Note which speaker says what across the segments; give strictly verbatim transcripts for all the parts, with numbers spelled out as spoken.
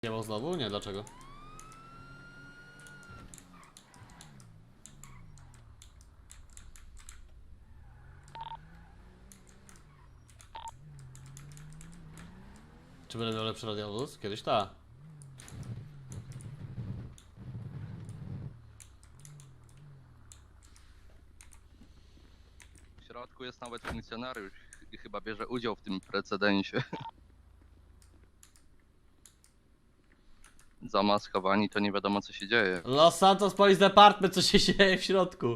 Speaker 1: Nie ma znowu? Nie, dlaczego? Czy będę miał lepszy radiowóz? Kiedyś ta.
Speaker 2: W środku jest nawet funkcjonariusz i chyba bierze udział w tym precedensie. Zamaskowani to nie wiadomo co się dzieje.
Speaker 1: Los Santos Police Department, co się dzieje w środku?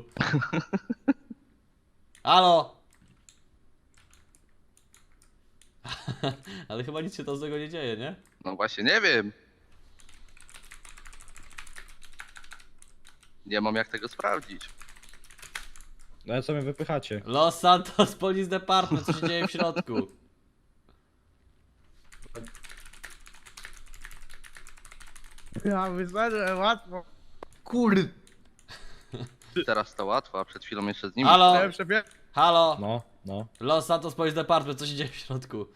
Speaker 1: Halo! Ale chyba nic się to z tego nie dzieje, nie?
Speaker 2: No właśnie nie wiem. Nie mam jak tego sprawdzić.
Speaker 3: No ale co mnie wypychacie?
Speaker 1: Los Santos Police Department, co się dzieje w środku?
Speaker 4: Ja wyszedłem łatwo. Kurde.
Speaker 2: Teraz to łatwo, a przed chwilą jeszcze z nimi.
Speaker 1: Halo!
Speaker 4: Szef, szefie.
Speaker 1: Halo!
Speaker 3: No, no.
Speaker 1: Los Santos Police Department, co się dzieje w środku?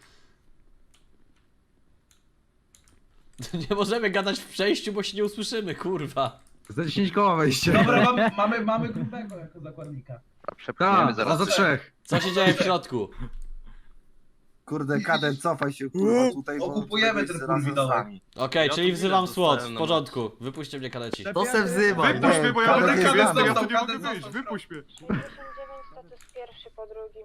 Speaker 1: Nie możemy gadać w przejściu, bo się nie usłyszymy, kurwa.
Speaker 4: Za dziesięć koła wejście.
Speaker 5: Dobra, mamy, mamy, mamy grubego jako zakładnika.
Speaker 2: A przepchniemy
Speaker 4: Tak,
Speaker 2: zaraz.
Speaker 4: za trzech.
Speaker 1: Co się dzieje w środku?
Speaker 6: Kurde, kaden, cofaj się, kurwa, tutaj. bo
Speaker 5: Okupujemy
Speaker 6: tutaj
Speaker 5: ten
Speaker 6: razem z
Speaker 5: kurwidołek.
Speaker 6: nami.
Speaker 1: Okej,
Speaker 7: Ja
Speaker 1: czyli
Speaker 7: tu
Speaker 1: wzywam
Speaker 7: bilet
Speaker 1: SWAT,
Speaker 7: dostałem
Speaker 1: w
Speaker 7: na
Speaker 1: porządku. Wypuśćcie mnie kadeci.
Speaker 4: Szefie,
Speaker 6: To se wzywa,
Speaker 4: Wypuść
Speaker 6: nie,
Speaker 4: mnie, bo ja
Speaker 6: kaden
Speaker 4: będę
Speaker 6: jest
Speaker 4: kaden
Speaker 6: znany.
Speaker 4: dostał,
Speaker 5: Kaden
Speaker 4: kaden
Speaker 5: został.
Speaker 4: wyjść, wypuść mnie.
Speaker 8: pięćdziesiąt dziewięć status pierwszy po drugim.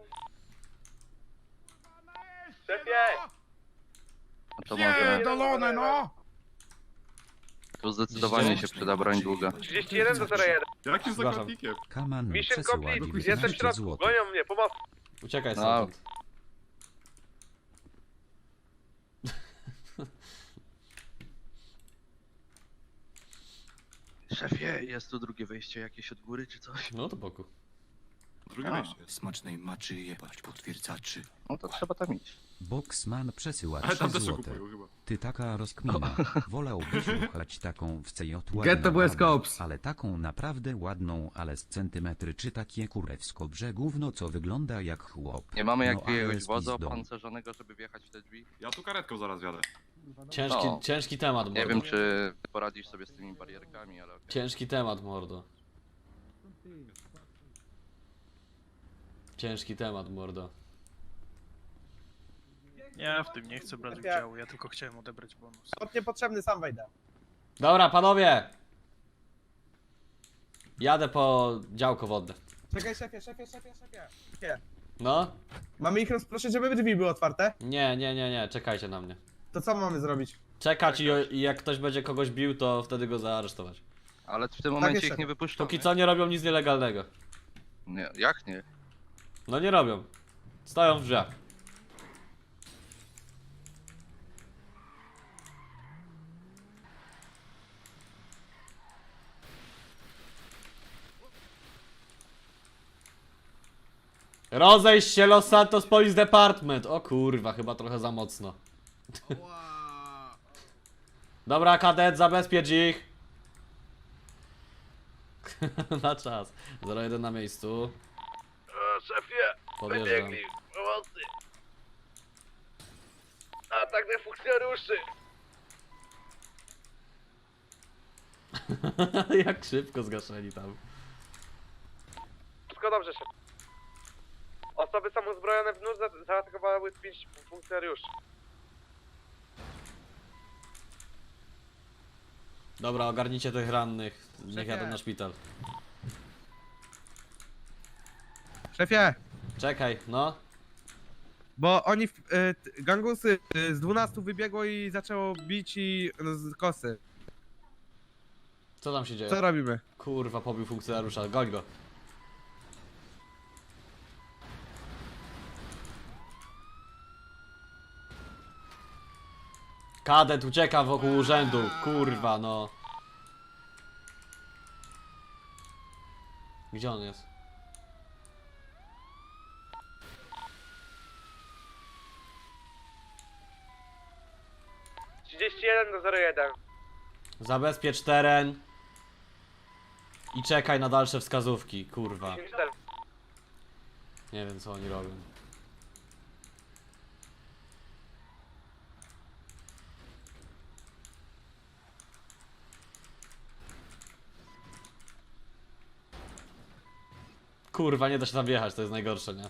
Speaker 4: Szefie!
Speaker 2: No to może
Speaker 4: Dolone, no!
Speaker 2: tu zdecydowanie się przyda broń długa.
Speaker 4: trzydzieści jeden do zero jeden.
Speaker 3: Jakim
Speaker 1: Zgłaszam.
Speaker 3: zakładnikiem?
Speaker 9: Kaman
Speaker 4: Mission
Speaker 9: przesyła
Speaker 4: complete, jestem w
Speaker 9: dziewiętnaście
Speaker 4: środku,
Speaker 9: złotych.
Speaker 4: gonią mnie, pomocy.
Speaker 1: Uciekaj
Speaker 2: No.
Speaker 1: stamtąd.
Speaker 2: Szefie, jest tu drugie wejście jakieś od góry czy coś?
Speaker 1: No to boku.
Speaker 3: Drugie
Speaker 2: A.
Speaker 3: wejście.
Speaker 9: Smacznej maczy jebać potwierdzaczy.
Speaker 2: No to trzeba tam iść.
Speaker 9: Boxman przesyła
Speaker 3: Ale tam
Speaker 9: trzy
Speaker 3: też
Speaker 9: złote.
Speaker 3: kupują chyba.
Speaker 9: Ty taka rozkmina. Wolałbyś uchlać taką w C J
Speaker 4: Get the West Cops.
Speaker 9: ale taką naprawdę ładną, ale z centymetry, czy takie kurewsko brzegówno, co wygląda jak chłop.
Speaker 2: Nie mamy
Speaker 9: No,
Speaker 2: jakiegoś
Speaker 9: ale z
Speaker 2: wozu
Speaker 9: pizdą.
Speaker 2: opancerzonego, żeby wjechać w te drzwi?
Speaker 3: Ja tu karetką zaraz jadę.
Speaker 1: Ciężki,
Speaker 2: No.
Speaker 1: ciężki temat, mordo.
Speaker 2: Nie wiem czy poradzisz sobie z tymi barierkami, ale okej.
Speaker 1: Ciężki temat, mordo. Ciężki temat, mordo.
Speaker 7: Ja w tym nie chcę brać udziału, ja tylko chciałem odebrać bonus.
Speaker 4: Od niepotrzebny, sam wejdę.
Speaker 1: Dobra, panowie! Jadę po działko wodne.
Speaker 4: Czekaj, szefie, szefie, szefie, szefie. Szefie.
Speaker 1: No?
Speaker 4: Mamy ich rozproszyć, żeby drzwi były otwarte?
Speaker 1: Nie, nie, nie, nie, czekajcie na mnie.
Speaker 4: To co mamy zrobić?
Speaker 1: Czekać i, i jak ktoś będzie kogoś bił, to wtedy go zaaresztować.
Speaker 2: Ale w tym momencie
Speaker 4: jest
Speaker 2: ich nie
Speaker 4: szef.
Speaker 2: wypuszczą.
Speaker 1: Póki co nie robią nic nielegalnego.
Speaker 2: Nie, jak nie?
Speaker 1: No nie robią. Stoją w drzwiach. Rozejść się, Los Santos Police Department! O kurwa, chyba trochę za mocno. Dobra, kadet, zabezpiecz ich. Na czas. zero jeden na miejscu.
Speaker 4: O, szefie,
Speaker 1: Podjeżdżam.
Speaker 4: pomocy. Atak na funkcjonariuszy.
Speaker 1: Jak szybko zgaszeni tam.
Speaker 4: Wszystko dobrze, szef. Osoby samozbrojone w nóż za- zaatakowały pięć funkcjonariuszy.
Speaker 1: Dobra, ogarnijcie tych rannych. Niech
Speaker 4: Szefie.
Speaker 1: jadą na szpital.
Speaker 4: Szefie,
Speaker 1: Czekaj, no.
Speaker 4: bo oni, w- y, t- gangusy y, z dwunastu wybiegło i zaczęło bić i no, z kosy.
Speaker 1: Co tam się dzieje?
Speaker 4: Co robimy?
Speaker 1: Kurwa, pobił funkcjonariusza, goń go. Kadet ucieka wokół urzędu, kurwa no. Gdzie on jest?
Speaker 4: trzydzieści jeden do zero jeden.
Speaker 1: Zabezpiecz teren. I czekaj na dalsze wskazówki, kurwa. Nie wiem co oni robią. Kurwa, nie da się tam wjechać, to jest najgorsze, nie?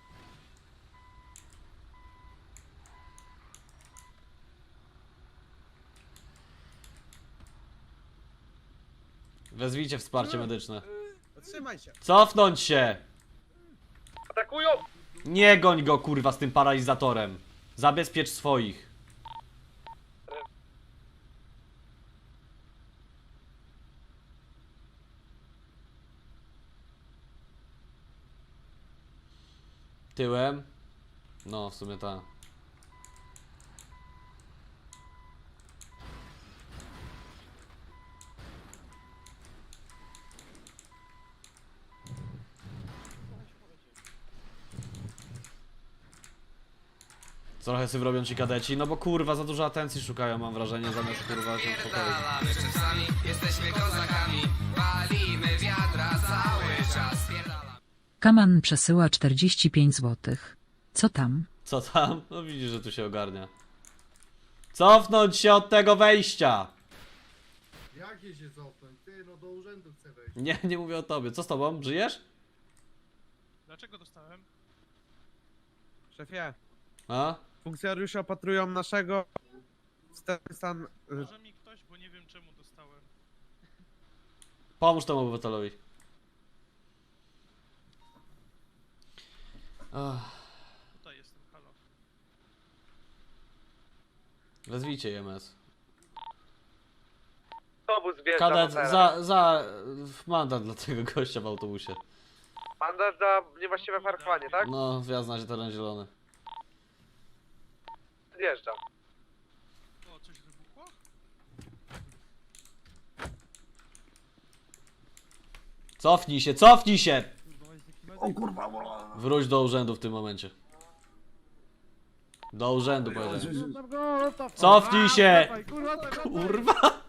Speaker 1: Wezwijcie wsparcie medyczne.
Speaker 4: Zatrzymaj się.
Speaker 1: Cofnąć się!
Speaker 4: Atakują!
Speaker 1: Nie goń go, kurwa, z tym paralizatorem. Zabezpiecz swoich. Tyłem? No, w sumie ta. Trochę sobie robią ci kadeci, no bo kurwa za dużo atencji szukają, mam wrażenie, zamiast kurwa się pokoju.
Speaker 10: Kaman przesyła czterdzieści pięć złotych. Co tam?
Speaker 1: Co tam? No widzisz, że tu się ogarnia. Cofnąć się od tego wejścia!
Speaker 6: Jakie się cofnąć? Ty, no do urzędu chcę wejść.
Speaker 1: Nie, nie mówię o tobie. Co z tobą? Żyjesz?
Speaker 7: Dlaczego dostałem?
Speaker 4: Szefie,
Speaker 1: A?
Speaker 4: funkcjonariusze opatrują naszego stan. y,
Speaker 7: Może mi ktoś, bo nie wiem czemu dostałem.
Speaker 1: Pomóż temu obywatelowi. Ach,
Speaker 7: Tutaj jestem, halo.
Speaker 1: wezwijcie I M S.
Speaker 4: Autobus wjeżdża.
Speaker 1: Kadet, za, za mandat dla tego gościa w autobusie.
Speaker 4: Mandat za niewłaściwe parkowanie, tak?
Speaker 1: No, wjazd na teren zielony.
Speaker 4: Wjeżdża.
Speaker 7: O, coś wybuchło?
Speaker 1: Cofnij się, cofnij się!
Speaker 6: O kurwa, wola.
Speaker 1: Wróć do urzędu w tym momencie. Do urzędu powiedziałem. Cofnij się! Kurwa!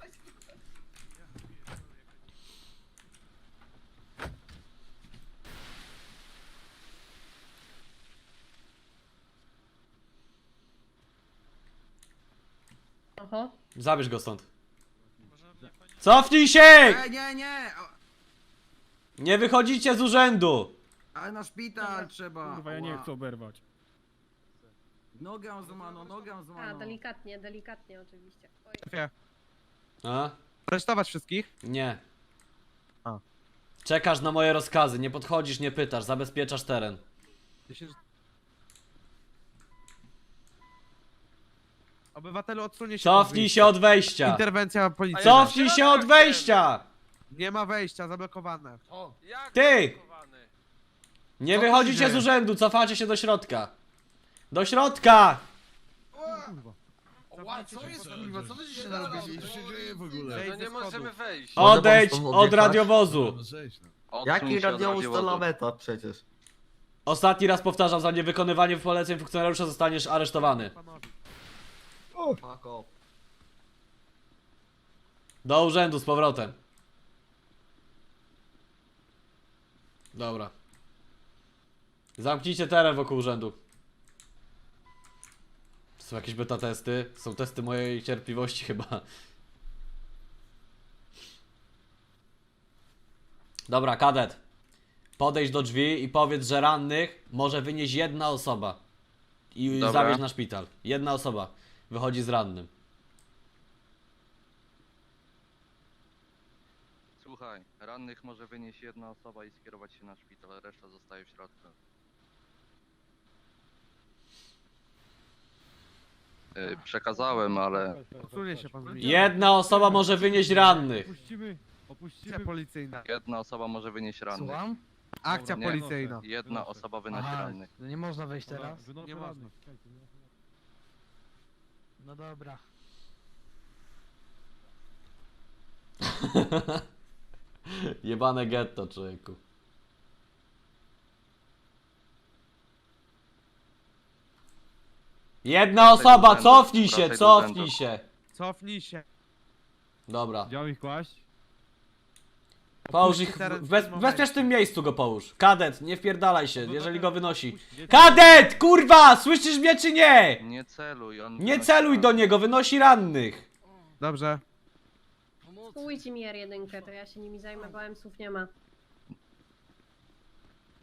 Speaker 8: Oho.
Speaker 1: Zabierz go stąd.
Speaker 7: Może mnie pani...
Speaker 1: Cofnij się!
Speaker 6: Ej, nie, nie! O,
Speaker 1: Nie wychodzicie z urzędu!
Speaker 6: ale na szpital trzeba.
Speaker 3: Kurwa, ja nie chcę oberwać.
Speaker 6: Nogę złamaną, nogę
Speaker 8: A,
Speaker 6: złamaną.
Speaker 8: delikatnie, delikatnie oczywiście. Oj.
Speaker 4: Szefie,
Speaker 1: A?
Speaker 4: aresztować wszystkich?
Speaker 1: Nie.
Speaker 4: A.
Speaker 1: Czekasz na moje rozkazy, nie podchodzisz, nie pytasz, zabezpieczasz teren.
Speaker 4: Obywatelu, odsunie się.
Speaker 1: Cofnij się od wejścia!
Speaker 4: Interwencja policji.
Speaker 1: Cofnij się od wejścia!
Speaker 4: Nie ma wejścia, zablokowane.
Speaker 1: Ty! Nie
Speaker 4: Co tu
Speaker 1: wychodzicie
Speaker 4: się
Speaker 1: z
Speaker 4: dzieje?
Speaker 1: urzędu, cofacie się do środka. Do środka!
Speaker 6: Co jest kurwa, co ty się narobili? Co się dzieje w ogóle?
Speaker 4: No nie możemy
Speaker 2: wejść.
Speaker 1: Odejdź od radiowozu.
Speaker 2: Jaki radiołóz to
Speaker 6: laweta przecież?
Speaker 1: Ostatni raz powtarzam, za niewykonywanie poleceń funkcjonariusza zostaniesz aresztowany.
Speaker 6: Fuck off.
Speaker 1: Do urzędu z powrotem. Dobra. Zamknijcie teren wokół urzędu. Są jakieś beta testy? Są testy mojej cierpliwości chyba. Dobra, kadet. Podejdź do drzwi i powiedz, że rannych może wynieść jedna osoba. I
Speaker 2: Dobra.
Speaker 1: zawieźć na szpital. Jedna osoba wychodzi z rannym.
Speaker 2: Słuchaj, rannych może wynieść jedna osoba i skierować się na szpital, reszta zostaje w środku. Yy, przekazałem, ale
Speaker 4: Odsunie się pan z nich.
Speaker 1: Jedna osoba może wynieść rannych.
Speaker 3: Opuścimy,
Speaker 4: Akcja policyjna.
Speaker 2: jedna osoba może wynieść rannych.
Speaker 4: Akcja
Speaker 2: Nie.
Speaker 4: policyjna.
Speaker 2: Jedna osoba wynosi rannych.
Speaker 11: Nie można wejść teraz?
Speaker 4: Nie można.
Speaker 11: No dobra.
Speaker 1: Jebane getto, człowieku. Jedna osoba,
Speaker 2: urzędu,
Speaker 1: cofnij się,
Speaker 2: wracaj do
Speaker 1: cofnij
Speaker 2: urzędu.
Speaker 1: się.
Speaker 4: Cofnij się.
Speaker 1: Dobra.
Speaker 3: Gdzie mam ich kłaść?
Speaker 1: Połóż ich w,
Speaker 4: teren w
Speaker 1: w, bez,
Speaker 4: tym
Speaker 1: w bezpiecznym miejscu go połóż. Kadet, nie wpierdalaj się,
Speaker 3: No
Speaker 1: jeżeli
Speaker 3: to-
Speaker 1: go wynosi. Kadet, kurwa, słyszysz mnie czy nie?
Speaker 2: Nie celuj, on
Speaker 1: Nie
Speaker 2: wynosi
Speaker 1: celuj do
Speaker 2: rannych.
Speaker 1: niego, wynosi rannych.
Speaker 4: Dobrze.
Speaker 8: Spójcie mi R jeden, to ja się nimi zajmę, bo M S-ów nie ma.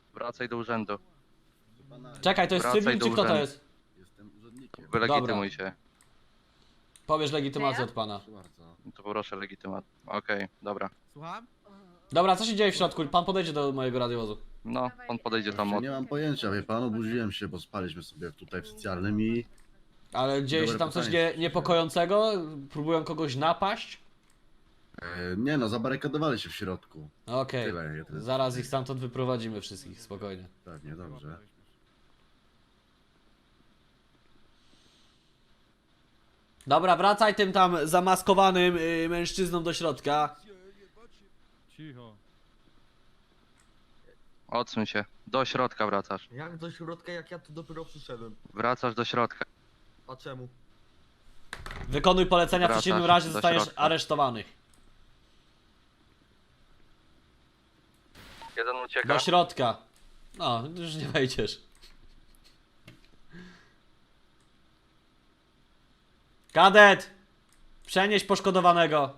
Speaker 2: Wracaj do urzędu.
Speaker 1: Czekaj, to jest
Speaker 2: Wracaj
Speaker 1: cywil
Speaker 2: do
Speaker 1: czy kto to
Speaker 2: urzędu.
Speaker 1: jest?
Speaker 6: Jestem urzędnikiem.
Speaker 2: Wylegitymuj się.
Speaker 1: Powiesz legitymację
Speaker 8: Ja?
Speaker 1: od pana.
Speaker 6: Proszę bardzo.
Speaker 2: To poproszę legitymację. Okej, dobra.
Speaker 4: Słucham?
Speaker 1: Dobra, co się dzieje w środku? Pan podejdzie do mojego radiowozu.
Speaker 2: No, on podejdzie tam od...
Speaker 6: Nie mam pojęcia, wie pan, obudziłem się, bo spaliśmy sobie tutaj w socjalnym i...
Speaker 1: Ale dzieje się
Speaker 6: Dobre
Speaker 1: tam coś
Speaker 6: pytanie.
Speaker 1: nie, niepokojącego? Próbują kogoś napaść?
Speaker 6: E, nie no, zabarykadowali się w środku.
Speaker 1: Okej.
Speaker 6: Tyle. Ja tyle.
Speaker 1: Zaraz ich stamtąd wyprowadzimy wszystkich, spokojnie.
Speaker 6: Pewnie, dobrze.
Speaker 1: Dobra, wracaj tym tam zamaskowanym y, mężczyzną do środka.
Speaker 3: Cicho.
Speaker 2: Odsuń się. Do środka wracasz.
Speaker 11: Jak do środka, jak ja tu dopiero przyszedłem?
Speaker 2: Wracasz do środka.
Speaker 11: A czemu?
Speaker 1: Wykonuj polecenia, w
Speaker 2: Wracasz
Speaker 1: przeciwnym razie
Speaker 2: do
Speaker 1: zostaniesz
Speaker 2: środka.
Speaker 1: aresztowany.
Speaker 2: Jeden ucieka.
Speaker 1: Do środka. No, już nie wejdziesz. Kadet! Przenieś poszkodowanego.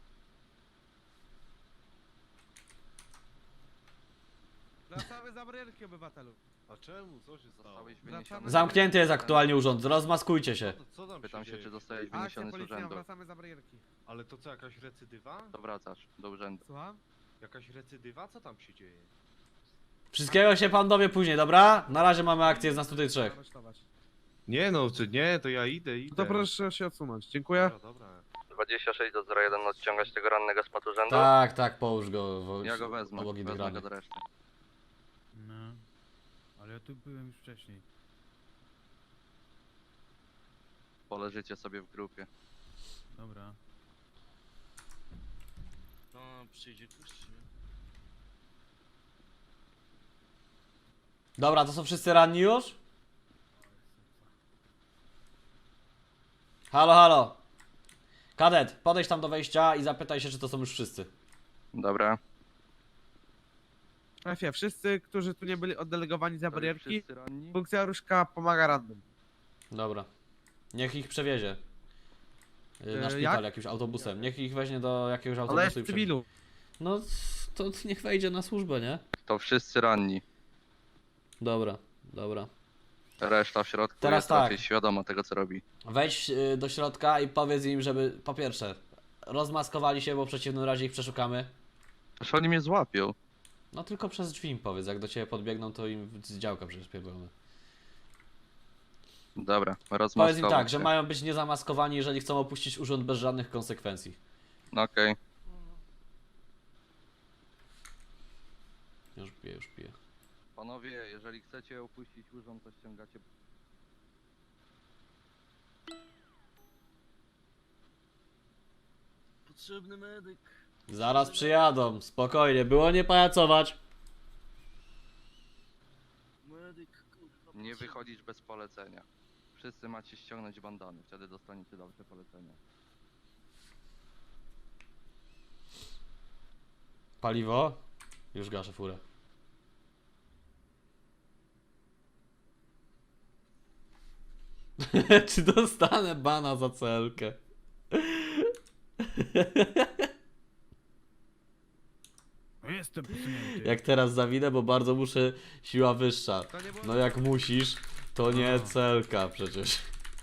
Speaker 4: Wracamy za barierki, obywatelu.
Speaker 3: A czemu? Co się stało?
Speaker 2: Zostałeś wyniesiony.
Speaker 4: Wracamy-
Speaker 1: Zamknięty jest aktualnie urząd, rozmaskujcie się.
Speaker 3: Co tam
Speaker 2: Pytam się,
Speaker 3: dzieje?
Speaker 2: czy zostałeś
Speaker 4: Akcja
Speaker 2: wyniesiony z
Speaker 4: policyjna,
Speaker 2: urzędu.
Speaker 4: wracamy za barierki.
Speaker 3: Ale to co, jakaś recydywa?
Speaker 2: To wracasz do urzędu.
Speaker 4: Słucham?
Speaker 3: Jakaś recydywa? Co tam się dzieje?
Speaker 1: Wszystkiego się pan dowie później, dobra? Na razie mamy akcję, jest nas tutaj trzech.
Speaker 4: Aresztować.
Speaker 3: Nie no, czy nie, to ja idę, idę.
Speaker 4: No to proszę się odsunąć. Dziękuję.
Speaker 3: Dobra, dobra.
Speaker 2: dwadzieścia sześć do zero jeden odciągać tego rannego spod urzędu.
Speaker 1: Tak, tak, połóż go w,
Speaker 2: Ja go wezmę.
Speaker 1: obok innych
Speaker 2: Wezmę go
Speaker 1: rannych.
Speaker 2: do reszty.
Speaker 3: No, ale ja tu byłem już wcześniej.
Speaker 2: Poleżycie sobie w grupie.
Speaker 3: Dobra.
Speaker 7: No, przyjdzie ktoś, czy nie?
Speaker 1: Dobra, to są wszyscy ranni już? Halo, halo. Kadet, podejdź tam do wejścia i zapytaj się, czy to są już wszyscy.
Speaker 2: Dobra.
Speaker 4: Szefie, wszyscy, którzy tu nie byli oddelegowani za barierki,
Speaker 2: Wszyscy ranni?
Speaker 4: funkcjonariuszka pomaga radnym.
Speaker 1: Dobra. Niech ich przewiezie. Y, Na
Speaker 4: E,
Speaker 1: szpital
Speaker 4: jak?
Speaker 1: jakimś autobusem. Niech ich weźmie do jakiegoś
Speaker 4: Ale
Speaker 1: autobusu
Speaker 4: jest
Speaker 1: i
Speaker 4: w
Speaker 1: przewiezie.
Speaker 4: cywilu.
Speaker 1: No, to niech wejdzie na służbę, nie?
Speaker 2: To wszyscy ranni.
Speaker 1: Dobra, dobra.
Speaker 2: Reszta w środku
Speaker 1: Teraz
Speaker 2: jest
Speaker 1: tak.
Speaker 2: raczej świadoma tego, co robi.
Speaker 1: Wejdź y, do środka i powiedz im, żeby po pierwsze rozmaskowali się, bo w przeciwnym razie ich przeszukamy.
Speaker 2: Przecież oni mnie złapią.
Speaker 1: No tylko przez drzwi im powiedz, jak do ciebie podbiegną, to im z działka przecież pierdolimy.
Speaker 2: Dobra,
Speaker 1: Powiedz
Speaker 2: rozmaskować
Speaker 1: im tak,
Speaker 2: się.
Speaker 1: że mają być niezamaskowani, jeżeli chcą opuścić urząd bez żadnych konsekwencji.
Speaker 2: No okej.
Speaker 1: Już piję, już piję.
Speaker 2: Panowie, jeżeli chcecie opuścić urząd, to ściągacie...
Speaker 11: Potrzebny medyk.
Speaker 1: Zaraz przyjadą, spokojnie, było nie pajacować.
Speaker 11: Medyk, kurwa.
Speaker 2: Nie wychodzić bez polecenia. Wszyscy macie ściągnąć bandany, wtedy dostaniecie dalsze polecenia.
Speaker 1: Paliwo? Już gaszę furę. Czy dostanę bana za celkę?
Speaker 3: Jestem posunięty.
Speaker 1: Jak teraz zawinę, bo bardzo muszę, siła wyższa.
Speaker 4: To nie było...
Speaker 1: No jak musisz, to nie celka przecież.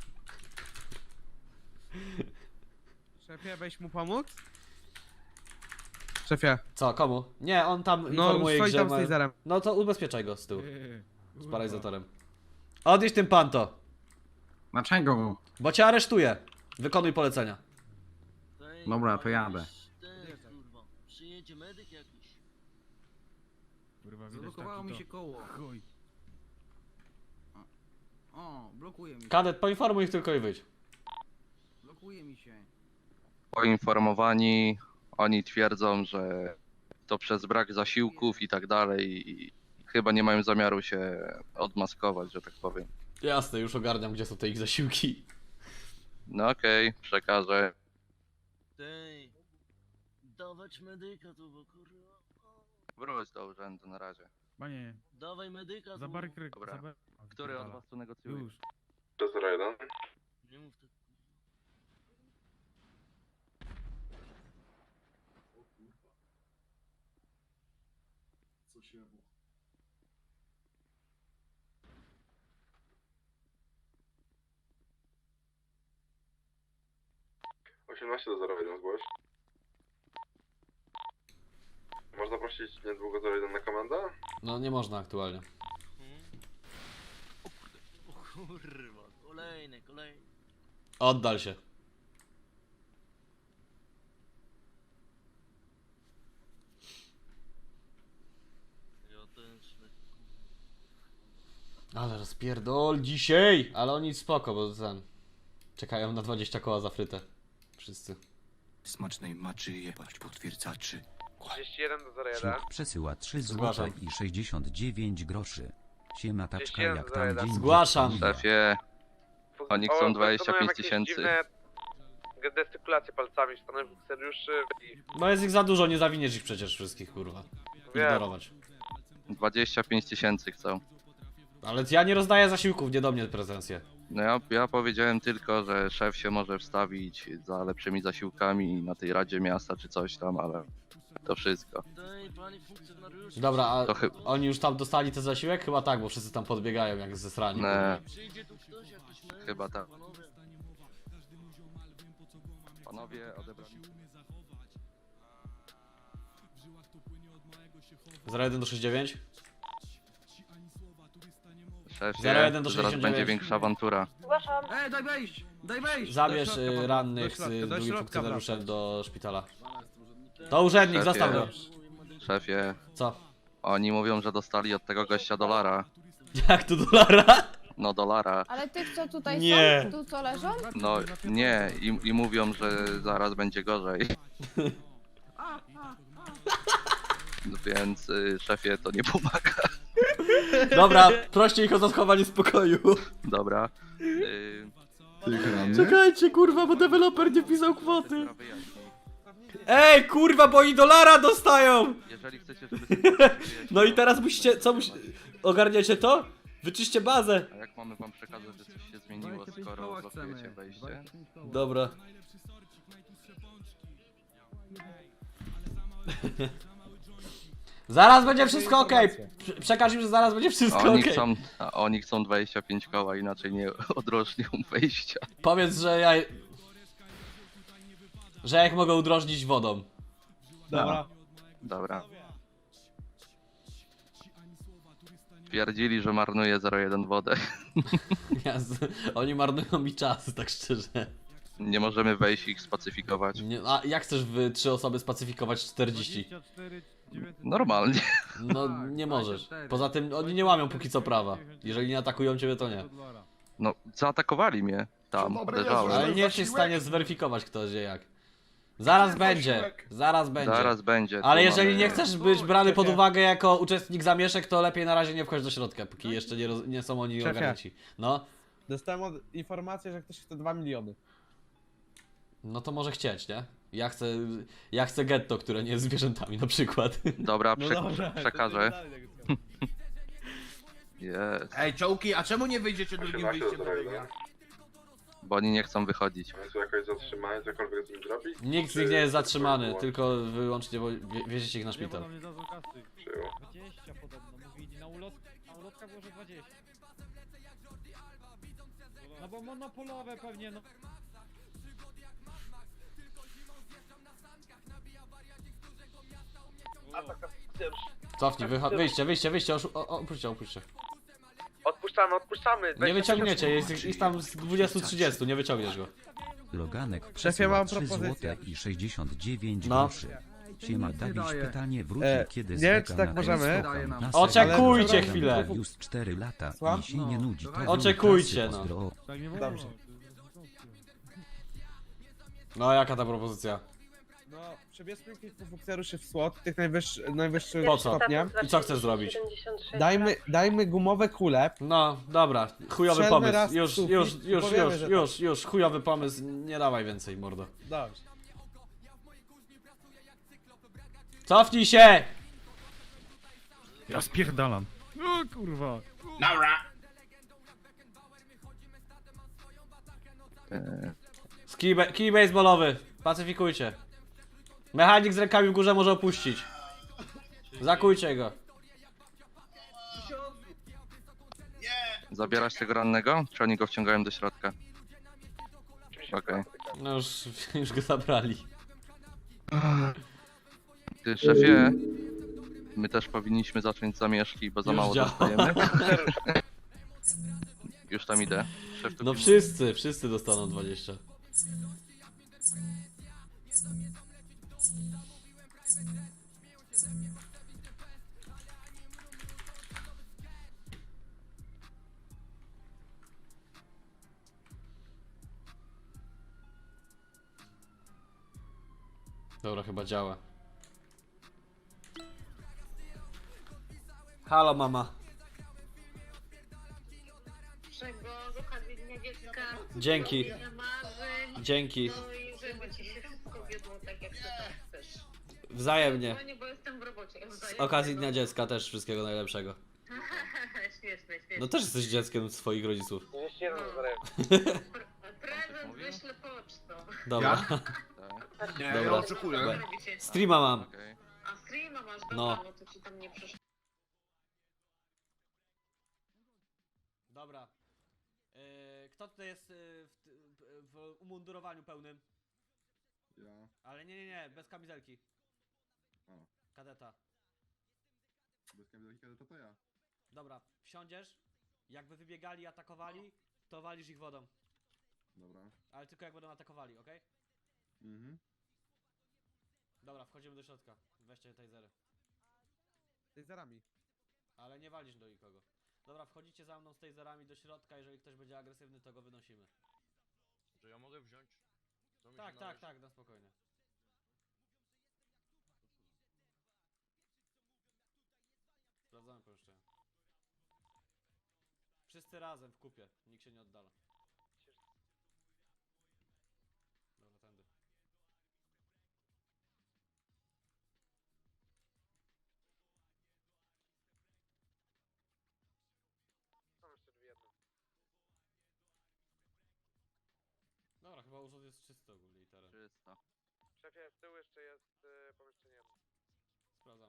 Speaker 4: Szefie, weź mu pomóc? Szefie,
Speaker 1: Co, komu? Nie, on tam
Speaker 4: no
Speaker 1: informuje,
Speaker 4: stoi
Speaker 1: że
Speaker 4: tam z
Speaker 1: ma...
Speaker 4: taserem.
Speaker 1: No to ubezpieczaj go z tyłu, z paralizatorem. Odjedź tym panto,
Speaker 6: Dlaczego?
Speaker 1: bo cię aresztuję. Wykonuj polecenia.
Speaker 6: Dobra, to jadę.
Speaker 11: Kurwa. Przyjedzie medyk jakiś.
Speaker 3: Kurwa, widać
Speaker 6: Zablokowało
Speaker 3: taki
Speaker 6: mi się
Speaker 3: to-
Speaker 6: koło.
Speaker 3: Chuj.
Speaker 6: O, blokuje mi
Speaker 1: Kadet, poinformuj ich tylko i wyjdź.
Speaker 6: Blokuje mi się.
Speaker 2: Poinformowani, oni twierdzą, że to przez brak zasiłków i tak dalej i chyba nie mają zamiaru się odmaskować, że tak powiem.
Speaker 1: Jasne, już ogarniam, gdzie są te ich zasiłki.
Speaker 2: No okej, przekażę.
Speaker 11: Tej. Dawać medyka tu, bo kurwa.
Speaker 2: Wróć do urzędu na razie.
Speaker 3: Panie,
Speaker 11: Dawaj medyka tu.
Speaker 3: zabarykry...
Speaker 2: Dobra.
Speaker 3: Zabar...
Speaker 2: Który od was tu negocjuje?
Speaker 3: Już.
Speaker 11: Nie mów tak.
Speaker 6: Co się
Speaker 11: osiemnaście do zero jeden zgłoś. Można prosić niedługo zero jeden na komendę?
Speaker 1: No nie można aktualnie.
Speaker 11: O kurwa, kolejny, kolejny.
Speaker 1: Oddal się.
Speaker 11: Ja też.
Speaker 1: Ale rozpierdol dzisiaj! Ale oni spoko, bo ten... Czekają na dwadzieścia koła za frytę. Wszyscy.
Speaker 9: Smacznej maczy jebać potwierdzaczy.
Speaker 4: trzydzieści jeden do zero jeden.
Speaker 9: Ślub przesyła trzy
Speaker 1: Zgłaszam.
Speaker 9: złote i sześćdziesiąt dziewięć groszy. Siema taczka jak tam
Speaker 4: Zgłaszam.
Speaker 9: dzień
Speaker 1: Zgłaszam.
Speaker 9: dziecka mija.
Speaker 2: Szefie, oni chcą
Speaker 4: O,
Speaker 2: dwadzieścia pięć
Speaker 4: wykonują jakieś
Speaker 2: tysięcy.
Speaker 4: dziwne gestykulacje palcami w stronę funkcjonariuszy i
Speaker 1: No jest ich za dużo, nie zawiniesz ich przecież wszystkich, kurwa.
Speaker 4: Wiem.
Speaker 1: Ignorować.
Speaker 2: dwadzieścia pięć tysięcy chcą.
Speaker 1: Ale ja nie rozdaję zasiłków, nie do mnie pretensje.
Speaker 2: No ja, ja powiedziałem tylko, że szef się może wstawić za lepszymi zasiłkami na tej Radzie Miasta czy coś tam, ale to wszystko.
Speaker 11: Daj, panie funkcjonariusz.
Speaker 1: Dobra, a
Speaker 2: To chy-
Speaker 1: oni już tam dostali ten zasiłek? Chyba tak, bo wszyscy tam podbiegają jak ze srani.
Speaker 2: Nie,
Speaker 11: Przyjdzie tu ktoś, jakiś mężczyzna,
Speaker 2: chyba tak.
Speaker 11: panowie.
Speaker 2: Panowie odebrali.
Speaker 1: zero jeden do sześćdziesiąt dziewięć?
Speaker 2: Szefie,
Speaker 1: zero jeden do
Speaker 2: zaraz
Speaker 1: sześćdziesiąt
Speaker 2: będzie
Speaker 1: dziewięć.
Speaker 2: większa awantura.
Speaker 8: Zgłaszam.
Speaker 6: Ej, daj wejść! Daj wejść!
Speaker 1: Zabierz
Speaker 4: Do środka,
Speaker 1: y,
Speaker 4: panowie,
Speaker 1: rannych
Speaker 4: do środka,
Speaker 1: z
Speaker 4: do
Speaker 1: drugim
Speaker 4: środka
Speaker 1: funkcjonariuszem
Speaker 4: wracać.
Speaker 1: do szpitala. To urzędnik,
Speaker 2: Szefie.
Speaker 1: zostaw go.
Speaker 2: Szefie,
Speaker 1: Co?
Speaker 2: oni mówią, że dostali od tego gościa dolara.
Speaker 1: Jak tu dolara?
Speaker 2: No dolara.
Speaker 8: Ale tych, co tutaj
Speaker 1: Nie.
Speaker 8: są, tu co leżą?
Speaker 2: No nie, i, i mówią, że zaraz będzie gorzej. No więc y, szefie to nie pomaga.
Speaker 1: Dobra, proście ich o zachowanie spokoju.
Speaker 2: Dobra. Y,
Speaker 1: Czekajcie, kurwa, bo deweloper nie pisał kwoty.
Speaker 2: sprawy jaśniej.
Speaker 1: Ej, kurwa, bo oni dolara dostają!
Speaker 2: Jeżeli chcecie, żeby sytuacja wyjaśniła-
Speaker 1: No i teraz musicie, co musi... Ogarniacie to? Wyczyście bazę.
Speaker 2: A jak mamy wam przekazać, że coś się zmieniło, skoro blokujecie wejście?
Speaker 1: Dobra. Zaraz będzie wszystko okej. Prze- Przekaż im, że zaraz będzie wszystko
Speaker 2: Oni
Speaker 1: okej.
Speaker 2: chcą, a oni chcą dwadzieścia pięć koła, inaczej nie odrocznią wejścia.
Speaker 1: Powiedz, że ja... Że jak mogę udrożnić wodą.
Speaker 4: Dobra.
Speaker 2: Dobra. Twierdzili, że marnuje zero jeden wodę.
Speaker 1: Ja z... Oni marnują mi czas, tak szczerze.
Speaker 2: Nie możemy wejść i ich spacyfikować.
Speaker 1: Nie, a jak chcesz w trzy osoby spacyfikować czterdzieści?
Speaker 3: dwadzieścia cztery dziewięćset.
Speaker 2: Normalnie.
Speaker 1: No nie możesz. Poza tym oni nie łamią póki co prawa. Jeżeli nie atakują ciebie, to nie.
Speaker 2: No, zaatakowali mnie tam, uderzałem.
Speaker 1: Ale nie jesteś w stanie zweryfikować kto gdzie jak. Zaraz będzie, zaraz będzie.
Speaker 2: Zaraz będzie.
Speaker 1: Ale
Speaker 2: tu
Speaker 1: jeżeli
Speaker 2: mamy-
Speaker 1: nie chcesz być brany pod uwagę jako uczestnik zamieszek, to lepiej na razie nie wchodź do środka, póki jeszcze nie, roz... nie są oni
Speaker 4: Szefie.
Speaker 1: ogarnięci. No,
Speaker 4: Dostałem od... informację, że ktoś chce dwa miliony.
Speaker 1: no to może chcieć, nie? Ja chcę, ja chcę getto, które nie jest zwierzętami na przykład.
Speaker 2: Dobra,
Speaker 4: No
Speaker 2: przek
Speaker 4: dobra, to
Speaker 2: przekażę.
Speaker 4: dalej negocjacje.
Speaker 2: Jest.
Speaker 6: Ej, czołki, a czemu nie wyjdziecie drugim
Speaker 11: osiemnaście do
Speaker 6: wyjściem do
Speaker 11: zero
Speaker 6: biega?
Speaker 11: jeden.
Speaker 2: Bo oni nie chcą wychodzić.
Speaker 11: Oni są jakoś zatrzymani, cokolwiek z nim zrobić?
Speaker 1: Nikt z
Speaker 11: Czy-
Speaker 1: nich nie jest
Speaker 11: czy
Speaker 1: zatrzymany,
Speaker 11: tylko
Speaker 1: tylko wyłącznie wo- wie- wieziecie ich na
Speaker 3: Nie, bo
Speaker 1: szpital.
Speaker 3: nam nie dadzą kasy.
Speaker 11: Przyjął.
Speaker 3: dwadzieścia podobno, mówili na ulot... Na ulotka było, że dwadzieścia. No bo monopolowe pewnie, no.
Speaker 1: Cofnij, wycho- wyjście, wyjście, wyjście, oszu- o- o- opuśćcie, opuśćcie.
Speaker 4: Odpuszczamy, odpuszczamy.
Speaker 1: Nie wyciągniecie, jest ich- ich tam z dwudziestu trzydziestu, nie wyciągniesz go.
Speaker 9: Loganek
Speaker 4: Szefie,
Speaker 9: przesyła
Speaker 4: mam
Speaker 9: trzy
Speaker 4: propozycję.
Speaker 9: złote i sześćdziesiąt dziewięć
Speaker 1: No.
Speaker 9: groszy. Siema, Dawid
Speaker 6: daje.
Speaker 9: pytanie wróci,
Speaker 4: E,
Speaker 9: kiedy
Speaker 4: nie
Speaker 9: z
Speaker 4: wiem,
Speaker 9: Vega
Speaker 4: czy tak
Speaker 9: na
Speaker 4: możemy.
Speaker 9: Gamescom
Speaker 6: Daje nam.
Speaker 9: na
Speaker 1: Oczekujcie
Speaker 9: serial
Speaker 1: chwilę.
Speaker 9: Już cztery lata
Speaker 4: Słucham?
Speaker 9: i się nie
Speaker 6: No,
Speaker 9: nudzi. To
Speaker 6: dawaj.
Speaker 9: zrobił
Speaker 1: Oczekujcie,
Speaker 9: kasy,
Speaker 1: no.
Speaker 9: pozdro.
Speaker 3: Tak nie wolno.
Speaker 4: Dobrze.
Speaker 1: No, jaka ta propozycja?
Speaker 4: No, przebierzmy kilku funkcjonariuszy w słod, tych najwyższy, najwyższych
Speaker 1: Po co?
Speaker 4: stopnia.
Speaker 1: I co chcesz zrobić?
Speaker 4: Dajmy, dajmy gumowe kule.
Speaker 1: No, dobra, chujowy
Speaker 4: Strzelmy
Speaker 1: pomysł.
Speaker 4: raz w
Speaker 1: Już,
Speaker 4: sufit
Speaker 1: już,
Speaker 4: i
Speaker 1: już,
Speaker 4: powiemy,
Speaker 1: już,
Speaker 4: że tak.
Speaker 1: już, już, chujowy pomysł, nie dawaj więcej, mordo.
Speaker 4: Dobrze.
Speaker 1: Cofnij się!
Speaker 3: Ja spierdalam. O kurwa.
Speaker 2: E,
Speaker 1: Kij, be- kij baseballowy, pacyfikujcie. Mechanik z rękami w górze może opuścić. Zakujcie go.
Speaker 2: zabierasz tego rannego? Czy oni go wciągają do środka? Okej.
Speaker 1: No już, już go zabrali.
Speaker 2: Ty, szefie, my też powinniśmy zacząć zamieszki, bo za
Speaker 1: Już
Speaker 2: mało
Speaker 1: działa.
Speaker 2: dostajemy. Już tam idę. Szef tu
Speaker 1: No
Speaker 2: pilnuje.
Speaker 1: wszyscy, wszyscy dostaną dwadzieścia. Dobra, chyba działa. Halo mama.
Speaker 8: Z okazji Dnia Dziecka.
Speaker 1: Dzięki.
Speaker 8: Marzeń.
Speaker 1: Dzięki.
Speaker 8: No i żeby ci się wszystko wiodło tak jak ty tam chcesz.
Speaker 1: Wzajemnie.
Speaker 8: No nie, bo jestem w robocie.
Speaker 1: Z okazji Dnia Dziecka też wszystkiego najlepszego.
Speaker 8: Śmieszne, śmieszne.
Speaker 1: No też jesteś dzieckiem swoich rodziców.
Speaker 8: Prezent wyślę pocztą.
Speaker 1: Dobra.
Speaker 2: Tak,
Speaker 6: Nie,
Speaker 1: Dobra.
Speaker 6: ja oczekuję.
Speaker 1: Streama mam.
Speaker 2: okej.
Speaker 8: A streama masz, dobra,
Speaker 1: No.
Speaker 8: no to ci tam nie przyszło.
Speaker 1: Dobra. Yy, kto tutaj jest yy, w, w umundurowaniu pełnym?
Speaker 11: Ja.
Speaker 1: Ale nie, nie, nie, bez kamizelki.
Speaker 11: O.
Speaker 1: Kadeta.
Speaker 11: Bez kamizelki kadeta to ja.
Speaker 1: Dobra, wsiądziesz. Jakby wybiegali i atakowali, to walisz ich wodą.
Speaker 11: Dobra.
Speaker 1: Ale tylko jak będą atakowali, okej?
Speaker 11: Mhm.
Speaker 1: Dobra, wchodzimy do środka. Weźcie tasery.
Speaker 4: Taserami.
Speaker 1: Ale nie walisz do nikogo. Dobra, wchodzicie za mną z taserami do środka, jeżeli ktoś będzie agresywny, to go wynosimy.
Speaker 11: Że ja mogę wziąć? To mi
Speaker 1: Tak,
Speaker 11: się
Speaker 1: tak,
Speaker 11: należy.
Speaker 1: tak, na spokojnie. Sprawdzamy pomieszczenie. Wszyscy razem w kupie, nikt się nie oddala. Dobra, tędy. Dobra, chyba urząd jest czysty ogólnie i teren.
Speaker 2: Czysto.
Speaker 4: Szefie, z tyłu jeszcze jest y, pomieszczenie.
Speaker 1: Sprawdzamy.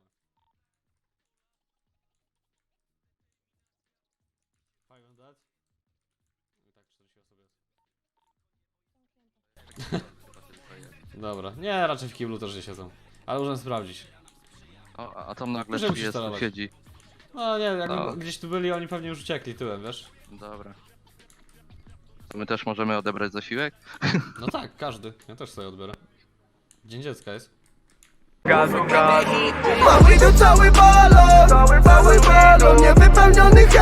Speaker 1: Five on that. I tak czterdzieści osób jest.
Speaker 2: Chyba tylko jest.
Speaker 1: Dobra, nie, raczej w kiblu też nie siedzą. Ale możemy sprawdzić.
Speaker 2: O, a tam nagle
Speaker 1: Możemy się
Speaker 2: jest,
Speaker 1: sterować.
Speaker 2: siedzi.
Speaker 1: No nie, jak
Speaker 2: No.
Speaker 1: gdzieś tu byli, oni pewnie już uciekli tyłem, wiesz?
Speaker 2: Dobra. To my też możemy odebrać zasiłek?
Speaker 1: No tak, każdy. Ja też sobie odbiorę. Dzień dziecka jest.
Speaker 6: Mamy tu cały balon, cały balon niewypełnionych